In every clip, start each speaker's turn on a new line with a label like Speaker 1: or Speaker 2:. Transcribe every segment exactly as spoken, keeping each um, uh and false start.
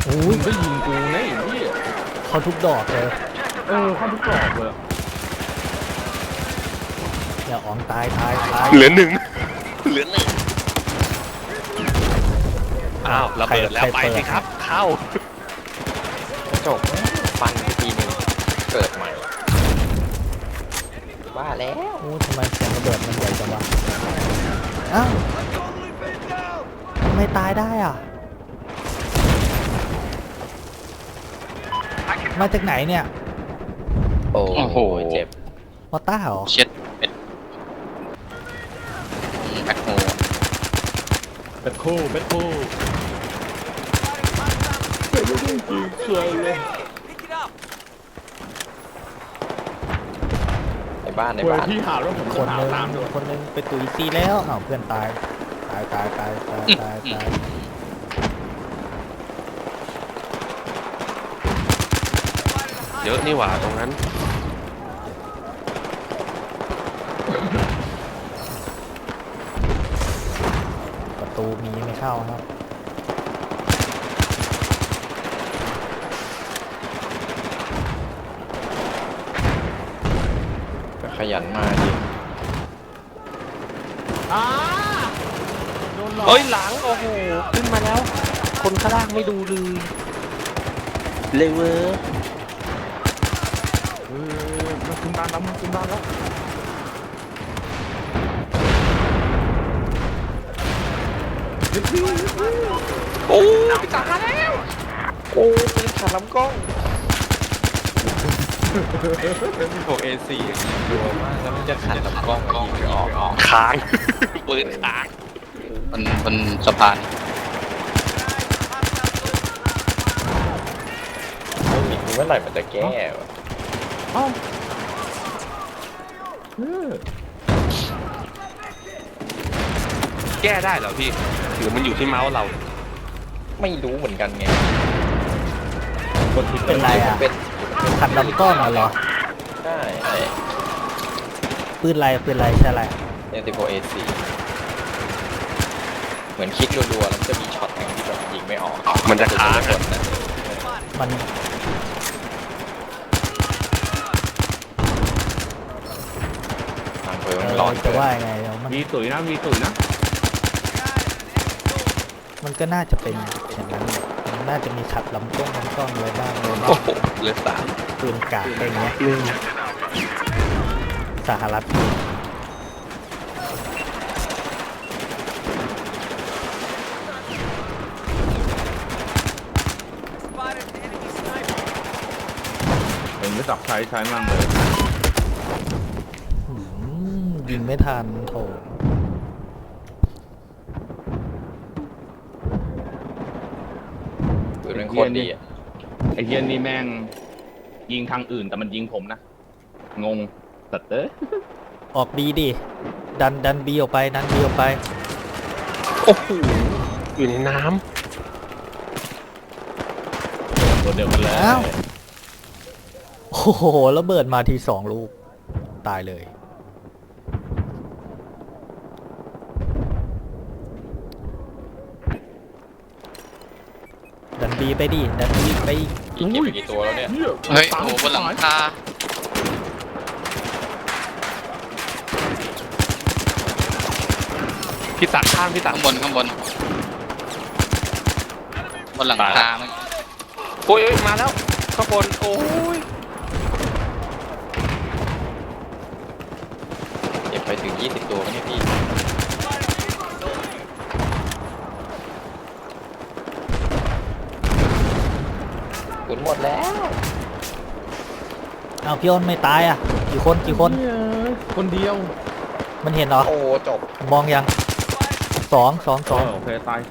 Speaker 1: อุ้ยก็ยิงกูนะไอ้พี่
Speaker 2: เขาทุกดอกเลย
Speaker 1: เออเข้าทุกดอกเลย
Speaker 2: อย่าอ๋องตายตายตาย
Speaker 3: เหลือหนึ่งเหลือหนึ่งอ้าวระเบิดแล้วไปสิครับเข้ากระจกฟันไปทีหนึ่งเกิดใหม่ว่าแล้ว
Speaker 2: โอ้ทำไมเสียงระเบิดมันใหญ่จังวะอ้าวทำไมตายได้อ่ะมาจากไหนเนี่ย
Speaker 3: โอ้โหเจ็บ
Speaker 2: มอต้าเหรอ
Speaker 3: เช็ดเป็ดแบ็คโฮ
Speaker 1: เป็ดคู่เป็ดคู่เป็ดไม่ได้ยิงใครเลย
Speaker 3: ในบ้านในบ้าน
Speaker 1: พี่หาแล้วผม
Speaker 2: คนนึง
Speaker 1: ตามด้วย
Speaker 2: คนนึงไปตุยซีแล้วอ้าวเพื่อนตายตายตายตายตายตายตาย
Speaker 3: เยอะนี่หว่าตรงนั้น
Speaker 2: ประตูมีไม่เข้าครับ
Speaker 3: ขยันมาดิเฮ้ยหลังโอ้โหขึ้นมาแล้วคนข้างล่างไม่ดูเลยเลยเว้ย
Speaker 1: เออมันขึ้นบ้านแล้วมันขึ้นบ้านแล้ว
Speaker 3: โอ้ยตายแล้วโอ้ยขาดลำกล้องพวกเอซีกลัวมากแล้วมันจะขัดลำกล้องยิงไม่ออกค้างปืนค้างมันมันสะพานมีเมื่อไหร่มันจะแก้วะ
Speaker 1: อ้าว
Speaker 3: แก้ได้เหรอพี่หรือมันอยู่ที่เมาส์เราไม่รู้เหมือนกันไง
Speaker 2: เป็นไรอ่ะขัดลำกล้องเหรอ
Speaker 3: ใช่ใช่
Speaker 2: ปืนไรปืนไรใช่ไร
Speaker 3: เอ็นติโฟเอซีเหมือนคลิกรัวๆแล้วจะมีช็อตหนึ่งที่แบบยิงไม่ออกมันจะค้าง
Speaker 2: มัน
Speaker 3: ทางเพิ่มหลอน
Speaker 2: จะว่าไงมัน
Speaker 1: มีตุ๋ยนะมีตุ๋ยนะ
Speaker 2: มันก็น่าจะเป็นอย่างนั้นมันน่าจะมีขัดลำกล้องลำกล้องอะไรบ้างเลย
Speaker 3: โอ้โหเหลือสาม
Speaker 2: ปืนกาดอะไรเงี้ยสหรัฐ
Speaker 1: เป็นไม่จับใช้ใช้มั่งเลย
Speaker 2: ยิงไม่ทันโถ
Speaker 3: ปืนเป็นโคตรดีอ่ะ
Speaker 1: ไอ้เหี้ยนี่แม่งยิงทางอื่นแต่มันยิงผมนะงงสัตว์เอ้ย
Speaker 2: ออกบีดิดันดันบีออกไปดันบีออกไป
Speaker 3: โอ้โหอยู่ในน้
Speaker 1: ำตัวเดียวกันแล้ว
Speaker 2: โอ้โหระเบิดมาทีสองลูกตายเลยดันบีไปดิดันบีไป
Speaker 3: อีกกี่ตัวแล้วเนี่ยเฮ้ยโอ้บนหลังคาพี่ตักข้างพี่ตักข้างบนข้างบนบนหลังคาโอ้ยมาแล้วข้างบนโอ้ยเก็บไปถึงยี่สิบตัวเนี่ยพี่ปืนหมดแล้ว
Speaker 2: เอาพี่อ้นไม่ตายอ่ะกี่คนกี่คน
Speaker 1: คนเดียว
Speaker 2: มันเห็นเหรอ
Speaker 3: โอ้จบ
Speaker 2: มองยังสองสองสอง
Speaker 1: โอเคตาย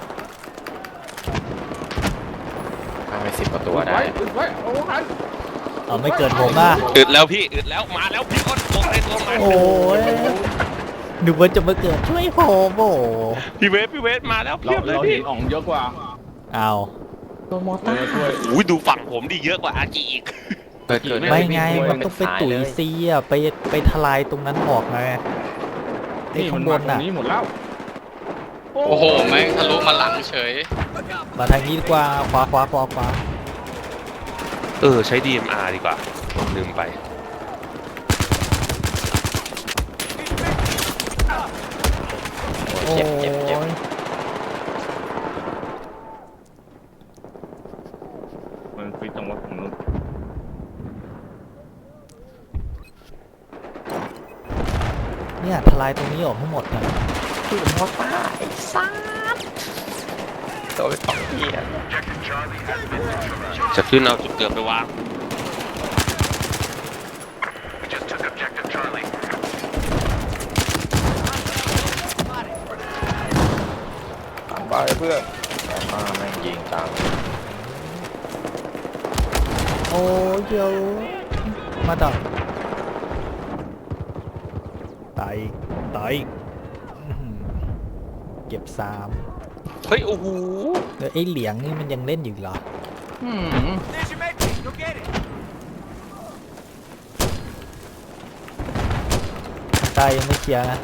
Speaker 3: ทำไปสิบกว่าตัวได้
Speaker 2: เอาไม่เกินผมอ่ะ
Speaker 3: อึดแล้วพี่อึดแล้วมาแล้วพี่อ้นตรงในตัวมา
Speaker 2: โอ้ยนึกว่าจะมาเกิดช่วยผมโอ้
Speaker 3: พี่เวฟพี่เวฟมาแล้วเพียบเลยพี่
Speaker 1: อ่องเยอะกว่า
Speaker 2: เอา
Speaker 1: ตัวมอต้าช่วย
Speaker 3: อุ้ยดูฝั่งผมดีเยอะกว่าอาจีอีก
Speaker 2: ไม่ไงมันต้องไปตุ๋ยซีอ่ะไปไปทลายตรงนั้นออกไงไอ้ข้างบนน่ะ
Speaker 1: นี้หมดแล้ว
Speaker 3: โอ้โหแม่งทะลุมาหลังเฉย
Speaker 2: มาทางนี้ดีกว่าขวาขวาขวาขวา
Speaker 4: เออใช้ ดี เอ็ม อาร์ ดีกว่าลืมไป
Speaker 2: โอ้
Speaker 3: เจ็บเจ็บเจ็บ
Speaker 2: ย
Speaker 1: มันฟิตตรงว่าผมนู้น
Speaker 2: เนี่ยทลายตรงนี้ออกให้หมดนะ
Speaker 3: คือมอต้าไอ้ซ่าโดนสองทีอ่ะ
Speaker 4: จะขึ้นเอาจุดเกิดไปวาง
Speaker 3: ตามไปเพื่อนแต่มาแม่งยิงตาม
Speaker 2: โอ้ยเดี๋ยวมาดักตายอีกตายอีกอื้อหือเก็บสาม
Speaker 4: เฮ้ย โอ้โห
Speaker 2: เดี๋ยวไอ้เหลียงนี่มันยังเล่นอยู่อีกเหรอ
Speaker 1: อืม
Speaker 2: ตายยังไม่เคลียร์นะ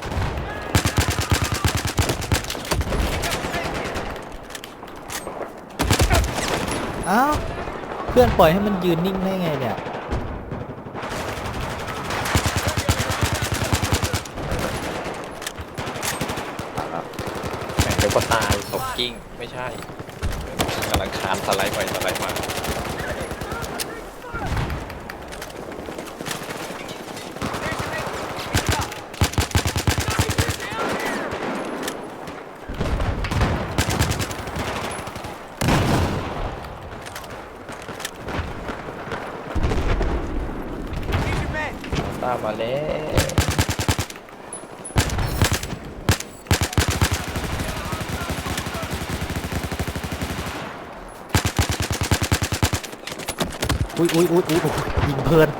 Speaker 2: อ้าวเพื่อนปล่อยให้มันยืนนิ่งได้ไงเนี่ย
Speaker 3: แม่งเดี๋ยวก็ตายตกกิ้งไม่ใช่กำลังคานสไลด์ไปสไลด์มา ตามมาแล้ว
Speaker 2: อุ้ยอุ้ยอุ้ยอุ้ยอุ้ยยิงเพลิน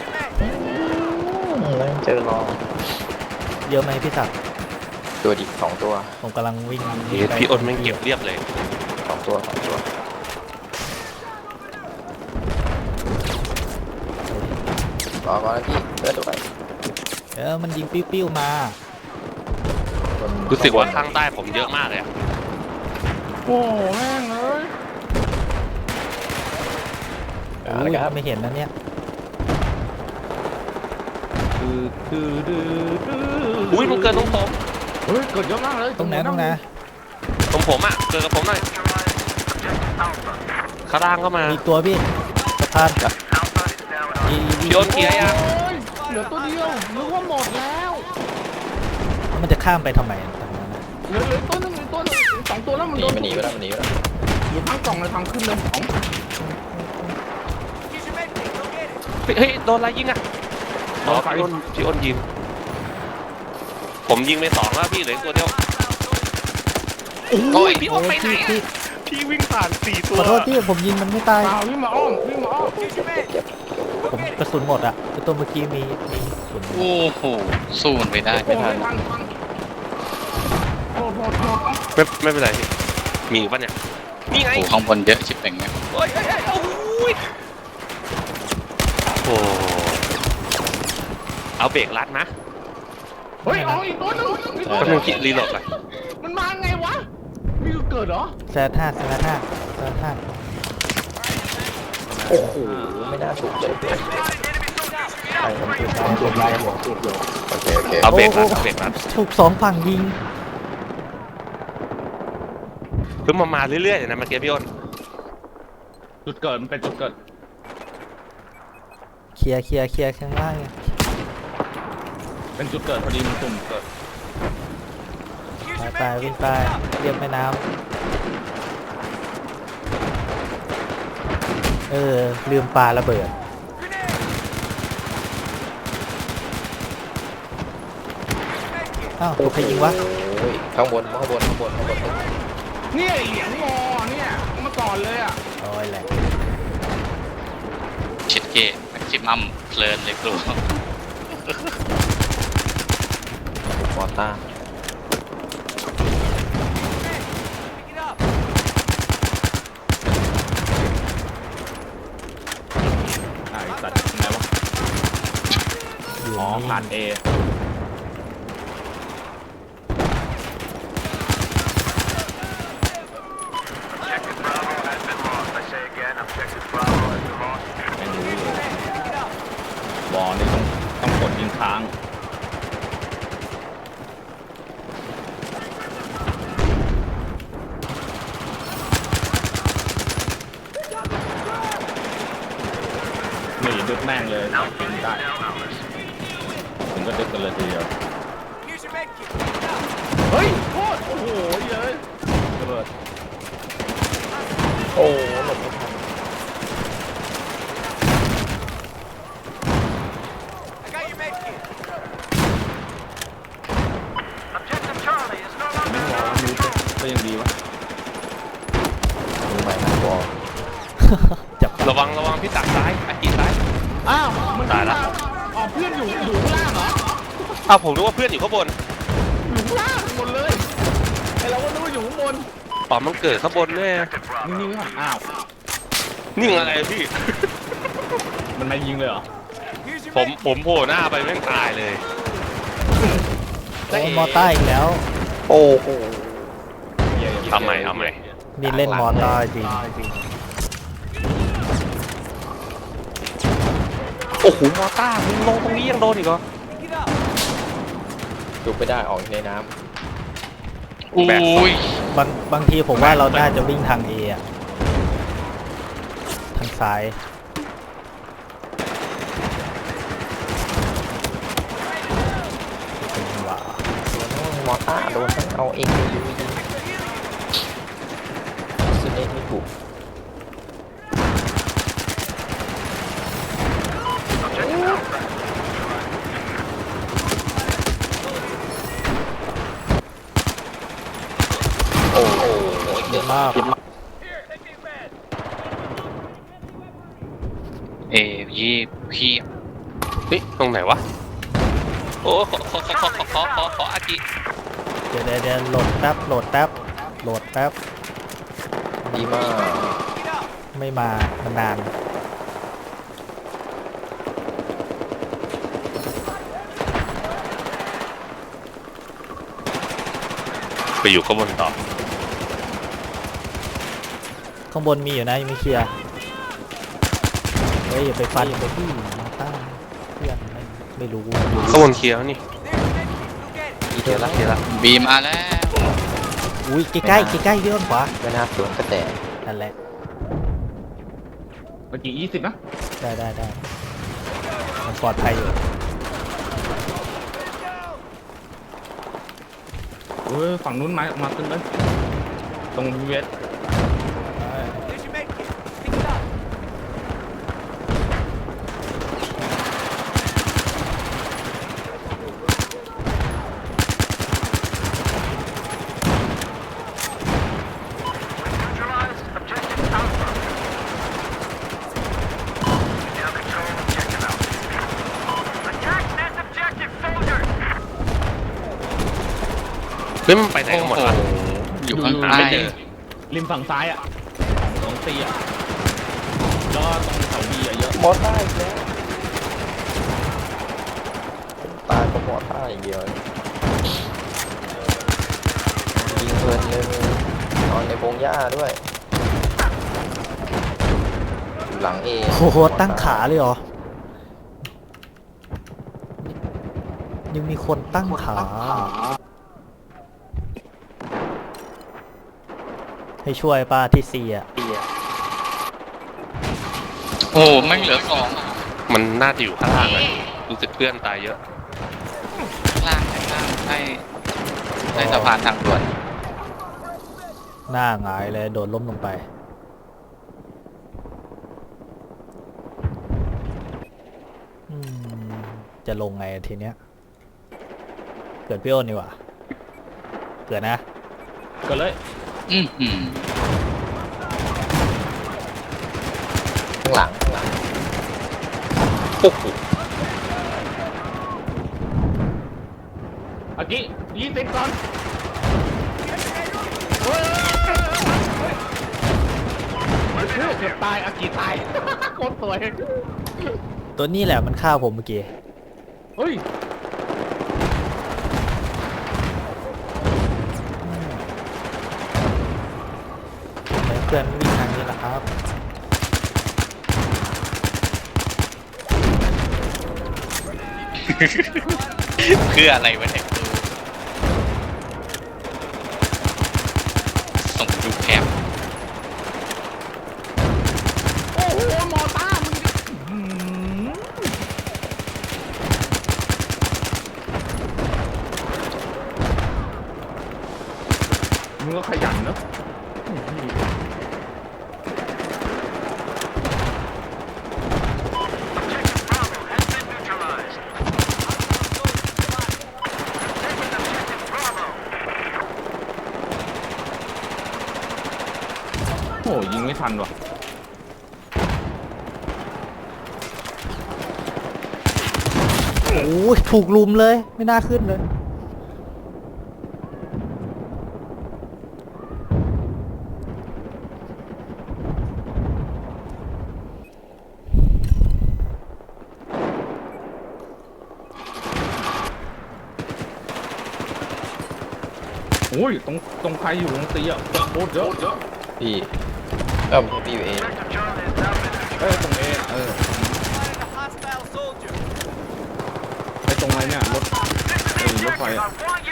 Speaker 3: แล้วเจอรอง
Speaker 2: เยอะไหมพี่ศักดิ์
Speaker 3: ตัวดิสองตัว
Speaker 2: ผมกำลังวิ่ง
Speaker 4: เฮ้ยพี่อ้นแม่งเก็บเรียบเลย
Speaker 3: สองตัวสองตัวรอก่อนนะพี่เลือดด้วย
Speaker 2: เออมันยิงปิ้วๆมา
Speaker 4: รู้สึกว่าข้างใต้ผมเยอะมากเลยอะ
Speaker 1: โอ้แม่งเอ้ย
Speaker 3: เอา
Speaker 2: อุ้
Speaker 3: ละ
Speaker 2: ย
Speaker 3: ครับ
Speaker 2: ไม่เห็นนะเนี่ย
Speaker 1: คือคือดื้อดื้อ
Speaker 4: อุ้ยมันเกินตรงผม
Speaker 1: เฮ้ยเกิดเยอะมากเลย
Speaker 2: ตรงไหนตรงไหน
Speaker 4: ตรงผมอ่ะเกินกับผมหน่อยข้างล่างก็มา
Speaker 2: มีตัวพี่สะพานอี
Speaker 4: พี่อ้นเคลียร์ยัง
Speaker 1: โอ้ยเหลือตัวเดียวนึกว่าหมดแล้ว
Speaker 2: มันจะข้ามไปทำไมตรงนั้นน่ะ
Speaker 1: เหลือเหลือตัวหนึงเหลือตัวหนึงสองตัวแล้วมัน
Speaker 3: หนี
Speaker 1: โดน
Speaker 3: มันหนีไปแล้วมันหนีไปแล้ว
Speaker 1: อยู่ทั้งกล่องเลยทางขึ้นเลยสอง
Speaker 4: เฮ้ยเฮ้ยโดนอะไรยิงอ่ะอ๋อพี่อ้นพี่อ้นยิง ผมยิงไปสองแล้วพี่เหลืออกตัวเดียวโอ้ยพี่อ้นไปไหน
Speaker 2: พี่
Speaker 4: อะพี่วิ่งผ่านสี่ตั
Speaker 2: ข
Speaker 4: ว
Speaker 2: อโทษที่ผมยิงมันไม่ตาย
Speaker 1: เปล่าวิ่งมาอ้อมวิ่งมาอ้อม
Speaker 2: ผมกระสุนหมดอ่ะไอ้ตัวเมื่อกี้มีมีกระสุน
Speaker 3: โอ้โหสู้มันไม่ได้
Speaker 1: โอ้
Speaker 3: ไม่
Speaker 1: ย
Speaker 3: ทัน
Speaker 1: ทันทันโทษโทษโทษ
Speaker 4: ไม่ไม่เป็นไรพี่มีอีกปะเนี่ยนี่ไง
Speaker 3: โอ้ข้างบนเยอะชิบเป่งเนี่ย
Speaker 4: โอ้ยเอ้ยเอ้ยโอ้ยโอ้เอาเบรกรัดนะ
Speaker 1: เฮ้ยเอาอีกตัวหนึงอีกตัว
Speaker 4: แป๊บ
Speaker 1: ห
Speaker 4: นึ
Speaker 1: นึ
Speaker 4: ง
Speaker 1: ง
Speaker 4: คิดรีโหลดไป
Speaker 1: มันมาไงวะนี่คือเกิดเหรอ
Speaker 2: แซดห้าแซดห้าแซดห้า
Speaker 3: โอ้โหไม่น่าถูกเลยเด็กใครมันถูกต้องถูกไล่หัวถูกโยโอเคโอเค
Speaker 4: เอาเบรกรัดเอาเบรกรัด
Speaker 2: ถูกสองฝั่งยิง
Speaker 4: คือมามาเรื่อยๆเลยนะเมื่อกี้พี่อ้น
Speaker 1: จุดเกิดมันเป็นจุดเกิด
Speaker 2: เคลียร์เคลียร์เคลียร์ข้างล่างไง
Speaker 1: เป็นจุดเกิดพอดีมันตุ่มเกิด
Speaker 2: ไปไปวิ่งไปเรียบแม่น้ำเออลืมปลาระเบิดอ้าวตัวใครยิงวะ
Speaker 3: โอ้ยข้างบนข้างบนข้างบนข้างบน
Speaker 1: เนี่ยเหรียญงอเนี่ยเอามาก่อนเลยอ่ะ
Speaker 2: โอ้ยแหละ
Speaker 3: ชิดเกตแม็กซิมัมเพลินเลยครูมอต้า
Speaker 1: ไอ้สัตว์ไหนวะ
Speaker 2: อยู่
Speaker 1: อ๋อ
Speaker 2: นี่
Speaker 1: ผ่านเอแม่งเลยถึงได้ถึงก็ดึกกันเลยทีเดียวเฮ้ยโคตรโอ้โหเยอะระเบิด
Speaker 3: โอ้หลบไม่ทัน
Speaker 1: ไม่รอรู้ก็ยังดีวะ
Speaker 3: มือใหม่นะบอก
Speaker 2: จับ
Speaker 4: ระวังระวังพี่ตักซ้ายอากิซ้าย
Speaker 1: อ้าวมัน
Speaker 4: ตายละ
Speaker 1: อ๋อเพื่อนอยู่อยู่ข้างล่างเหรอ
Speaker 4: อ้าวผมนึกว่าเพื่อนอยู่ข้างบน
Speaker 1: อยู่ข้างล่างหมดเลยไอเราก็นึกว่าอยู่ข้างบน
Speaker 4: อ๋อมันเกิดข้างบนแน่
Speaker 1: นิ่งๆก่อนอ้าว
Speaker 4: นิ่งอะไรพี่
Speaker 1: มันมายิงเลยเหรอ
Speaker 4: ผมผมโผล่หน้าไปแม่งตายเลย
Speaker 2: โอ้มอต้าอีกแล้ว
Speaker 3: โอ้โห
Speaker 4: ทำไมทำไม
Speaker 2: นี่เล่นมอต้าจริง
Speaker 4: โอ้โหมอต้ามึงลงตรงนี้ยังโดนอีกเหรอ
Speaker 3: จุกไม่ได้ออกในน้
Speaker 4: อุ้ย
Speaker 2: บางบางทีผมว่าเราน่าจะวิ่งทางเออะทางซ้ายเป็นว่า
Speaker 3: ำมอต้าโดนทั้งเอาเองไปยูยิงซึ่งเองไม่ถูกโอ้โห
Speaker 2: เยอะมาก
Speaker 4: เอยี่พี่เฮ้ยตรงไหนวะ โอ้ขอขอขอขอขอขอขออากิ
Speaker 2: เดี๋ยวเดี๋ยวเดี๋ยวโหลดแป๊บโหลดแป๊บโหลดแป๊บ
Speaker 3: ดีมาก
Speaker 2: ไม่มามันนาน
Speaker 4: ไปอยู่ข้างบนต่อ
Speaker 2: ข้างบนมีอยู่นะยังไม่เคลียร์เฮ้ยอย่าไปฟันอย่าไปพี่มอต้าเพื่อนไม่ไม่รู้
Speaker 4: ข้างบนเคลียร์แล้วนี่
Speaker 3: อีเทียละ
Speaker 4: เคลียร์ละ
Speaker 5: บีมาแล้ว
Speaker 2: อุ้ยใกล้ใกล้ใกล้ใกล้ๆเยื่อนขวา
Speaker 3: ไม่น่าสวนกระแต
Speaker 2: นั่นแหละ
Speaker 1: เมื่อกี้ยี่สิบนะ
Speaker 2: ได้ได้ได้มันปลอดภัยอยู่
Speaker 1: เออฝั่งนู้นมามาตึ้งเลยตรงเวส
Speaker 4: เฮ้ยมันไปไหนกันหมดวะ
Speaker 5: อยู่ข้างใต้
Speaker 1: ริมริมฝั่งซ้ายอ่ะของตีอ่ะแล้วก็ตรงเสาบีอ่ะเยอะ
Speaker 3: มอต้าอีกแล้วตายก็มอต้าอย่างเดียวยิงเพลินเลยนอนในพงหญ้าด้วยอยู่หลังเอ
Speaker 2: โอ้โหตั้งขาเลยเหรอยังมีคนตั้งขาให้ช่วยป้าที่เสีย
Speaker 5: โอ้ไม่งเหลือสอง
Speaker 4: มันน่าจะอยู่ข้างล่างเลยรู้สึกเพื่อนตายเยอะ
Speaker 5: ข้างล่างข้างล่างใต้ใต้สะพานทางด่วน
Speaker 2: หน้าหงายเลยโดนล้มลงไปอืมจะลงไงทีเนี้ยเกิดพี่โอนดีกว่าเกิดนะ
Speaker 1: ก็เลย
Speaker 5: อือหือ
Speaker 3: ข้างหลังข้างหลัง
Speaker 4: โอ้โห
Speaker 1: อากิยี่สิบก่อนเฮ้ยเกือบตายอากิตายโคตรสวย
Speaker 2: ตัวนี้แหละมันฆ่าผมเมื่อกี้
Speaker 1: เฮ้ย
Speaker 2: เพื่อนวิ่งทางนี้แหละครับ
Speaker 5: เพื่ออะไรวะเนี่ยส่งดูแคป
Speaker 1: โอ้โหมอต้ามึงอื้อหือยิงไม่ทันว่ะ
Speaker 2: โอ้ยถูกลุมเลยไม่น่าขึ้นเลย
Speaker 1: โอ้ยตรงตรงใครอยู่ตรงตีอ่ะโคตรเยอะเยอะ
Speaker 3: พี่เออพี่อยู่เอง
Speaker 1: เอ้ยตรงเอเออไอตรงไหนเนี่ยรถไอรถไฟอ่ะ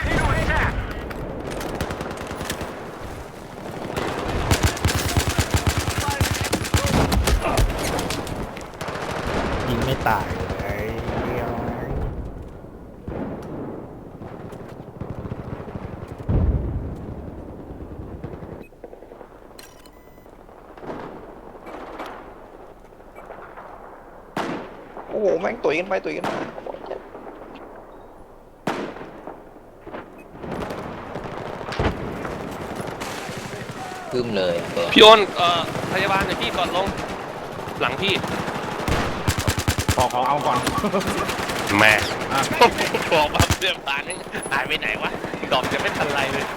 Speaker 2: ยิงไม่ตายเลยเดียว
Speaker 3: โอ้โหแม่งตุ๋ยกันไปตุ๋ยกันมาพึ่มเลยเปิด
Speaker 4: พี่อ้นเอ่อพยาบาลหน่อยพี่ก่อนลง หลังพี่
Speaker 1: พอเขาเอาก่อน
Speaker 4: แม่
Speaker 1: อ่ะ
Speaker 4: บอกมาเรื่องตานี่หายไปไหนวะดอกจะไม่ทันไรเลย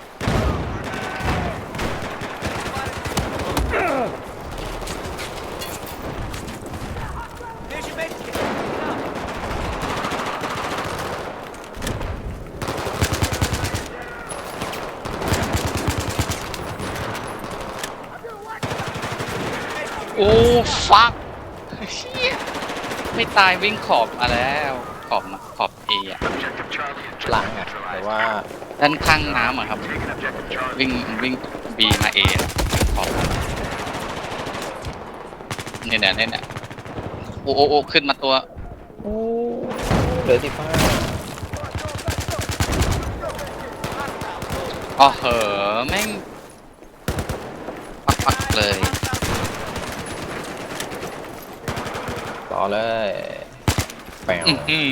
Speaker 5: โอ้ฟักเชี่ยไม่ตายวิ่งขอบมาแล้วขอบมาขอบเออะ
Speaker 3: หลังอ่ะแต่ว่า
Speaker 5: ด้านข้างน้ำอะครับ วิ่งวิ่งบีมาเอขอบเนี่ยเนี่ยเนี่ยเนี่ยโอ้โอ้โอ้ขึ้นมาตัว
Speaker 3: โอ้เหลือสิบห้า
Speaker 5: อ๋อเหอะแม่งปักปักเลย
Speaker 3: ต่อเลยแปว
Speaker 5: อื้อหือ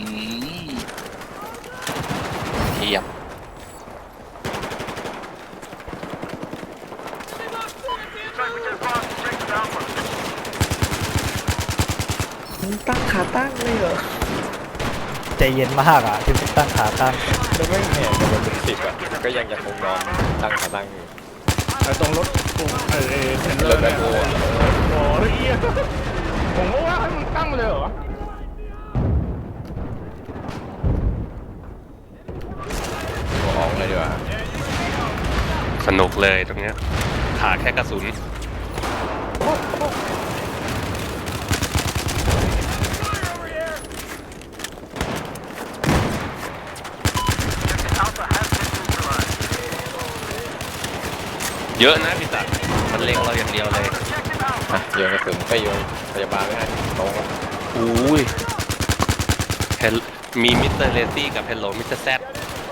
Speaker 5: เทียบ
Speaker 3: ตั้งขาตั้งเลยเหรอ
Speaker 2: ใจเย็นมากอ่ะที่ตั้งขาตั้ง
Speaker 3: แล้วไม่แหงกันเป็นสิบอ่ะก็ยังยังคงนอนตั้งขาตั้งอยู่
Speaker 1: ไอตรงรถตรงไอเอเทนเลอร์เนี่ยโอ้โหเหี้ยผมก็ว่าให้มันตั้งเลยเหรอ
Speaker 3: ออกเลยดีกว่า
Speaker 4: สนุกเลยตรงเนี้ยขาแค่กระสุน เยอะนะพี่สัตว์มันเล็งเราอย่างเดียวเลย
Speaker 3: อ่ะโยนกระสุนไปโยนพยาบาลไม่ให้ตรง
Speaker 4: อุ้ยเฮลมีมิสเตอร์เลซี่กับเฮลโลมิสเตอร์แซด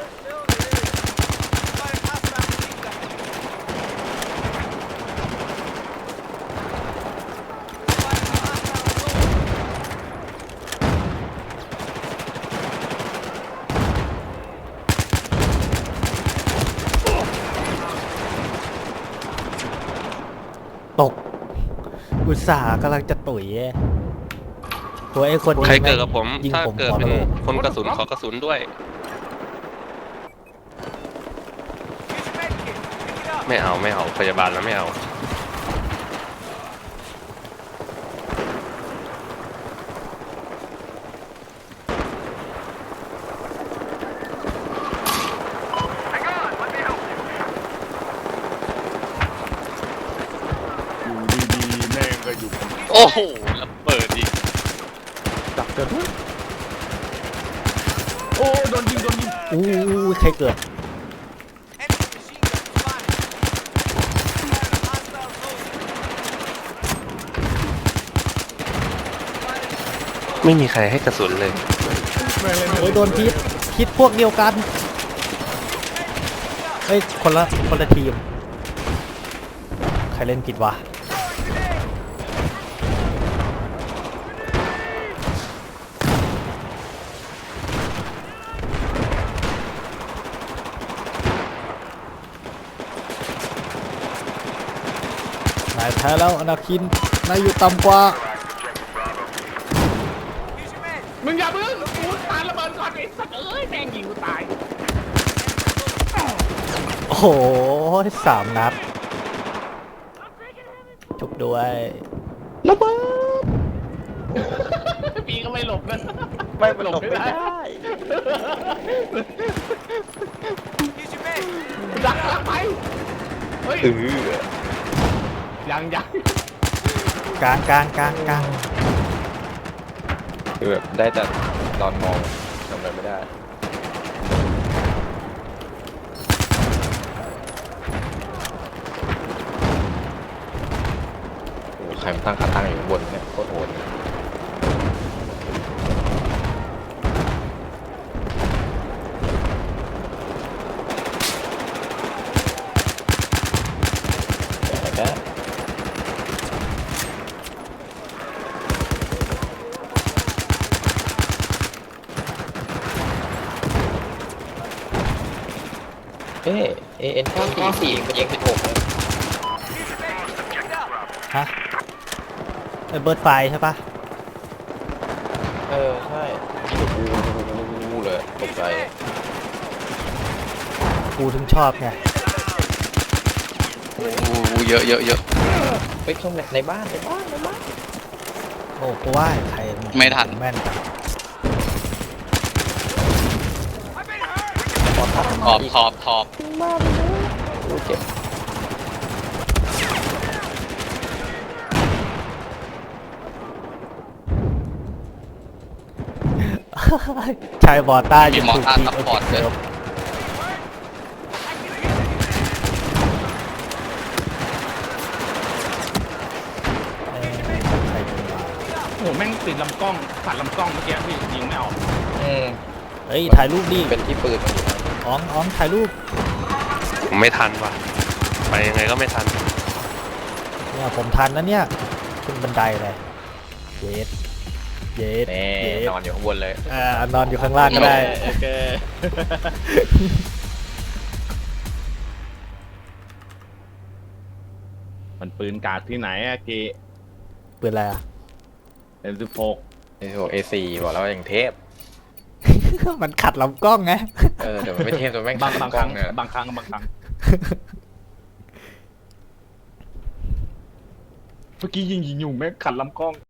Speaker 2: ตก อุตส่าห์กำลังจะตุ๋ยโอ้ยไอ้คนนี้
Speaker 4: ใครเกิดกับผม
Speaker 2: ยิง
Speaker 4: ถ้า
Speaker 2: ผม
Speaker 4: เกิด
Speaker 2: หัว
Speaker 4: เป็น
Speaker 2: โลก
Speaker 4: คนกระสุนขอกระสุนด้วย ไม่เอาไม่เอาพยาบาลแล้วไม่เอา
Speaker 1: อยู่ดีๆแม่งก็อยู่
Speaker 5: โอ้โหระเบิดอีก
Speaker 1: จับเกิดด้วยโอ้โดนยิงโดนยิง
Speaker 2: อู้ยใครเกิด
Speaker 4: ไม่มีใครให้กระสุนเลย
Speaker 1: แม่งเลย
Speaker 2: โอ้ยโดนพิษพิษพวกเดียวกันเฮ้ยคนละคนละทีม ใครเล่นผิดวะนายแพ้แล้วอนาคินนายอยู่ต่ำกว่า
Speaker 1: มึงอย่าเพิ่งกูตายระเบิดก่อนไอ้สัตว์เอ้ยแม่งยิงกูตาย
Speaker 2: โอ้โหสามนัดจุบด้วย
Speaker 1: ระเบิดปีก็ไม่หลบนะ
Speaker 3: ไม่หลบไม่ได้
Speaker 1: ดักหลังไปเฮ้ย
Speaker 3: เออ
Speaker 1: ยังยัง
Speaker 2: กลางกลางกลางกลาง
Speaker 3: คือแบบได้แต่นอนมองทำอะไรไม่ได้โอ้ใครมันตั้งขาตั้งอยู่ข้างบนเนี่ยโคตรโหดแต่ก็ เอ๊ะเอ็นเก้าสี่สี่มันยิงสิบหกเลย
Speaker 2: ฮะไอเบิร์ดไฟใช่ปะ
Speaker 3: เออ ใช่วูเลยตกใจ
Speaker 2: กูถึงชอบไง
Speaker 5: โอ้โหเยอะเยอะเยอะ
Speaker 3: ไปชมในบ้านในบ้านในบ้าน
Speaker 2: โอ้กูว่าใคร
Speaker 5: ไม่ทัน
Speaker 2: แม่นจัง
Speaker 3: ขอทับ
Speaker 5: ขอบขอบขอบ
Speaker 3: ดูเจ็บ
Speaker 2: ชายบอต้า
Speaker 5: มี
Speaker 2: ยัง
Speaker 5: มอ
Speaker 2: ถูก
Speaker 5: ต้า
Speaker 2: ที
Speaker 5: ซัพพอร์ตเลย
Speaker 2: เอ้ยใครยิงวะ
Speaker 1: โอ้โหแม่งติดลำกล้องตัดลำกล้องเมื่อกี้พี่ยิงไม่ออก
Speaker 3: อืม
Speaker 2: เฮ้ยถ่ายรูปดิ
Speaker 3: เป็นที่ปืนมันอยู่นะ
Speaker 2: อ๋องอ๋องถ่ายรูป
Speaker 4: ผมไม่ทันว่ะไปยังไงก็ไม่ทัน
Speaker 2: เนี่ยผมทันนะเนี่ยขึ้นบันไดเลยเย็ดเย็ด
Speaker 3: แน่
Speaker 2: เย็ด
Speaker 3: นอนอยู่ข้างบนเลย
Speaker 2: อ่านอนอยู่ข้างล่างก็ได้
Speaker 1: โอเคมันปืนกาดที่ไหนอะเก
Speaker 2: ปืนอะไรอ่ะ
Speaker 1: เอ็มสิบหก
Speaker 3: ไอ้พวกเอซีบอกแล้วว่าอย่างเทพ
Speaker 2: มันขัดลำกล้องไง
Speaker 3: เออแต่มันไม่เทพแต่แม่ง
Speaker 1: บาง
Speaker 3: ขัด
Speaker 1: บาง
Speaker 3: ก
Speaker 1: ค
Speaker 3: ล้อ
Speaker 1: รั้
Speaker 3: ง
Speaker 1: ง
Speaker 3: เนี่ย
Speaker 1: บางครั้งบางครั้งเมื่อกี้ยิงยิงอยู่แม่งขัดลำกล้อง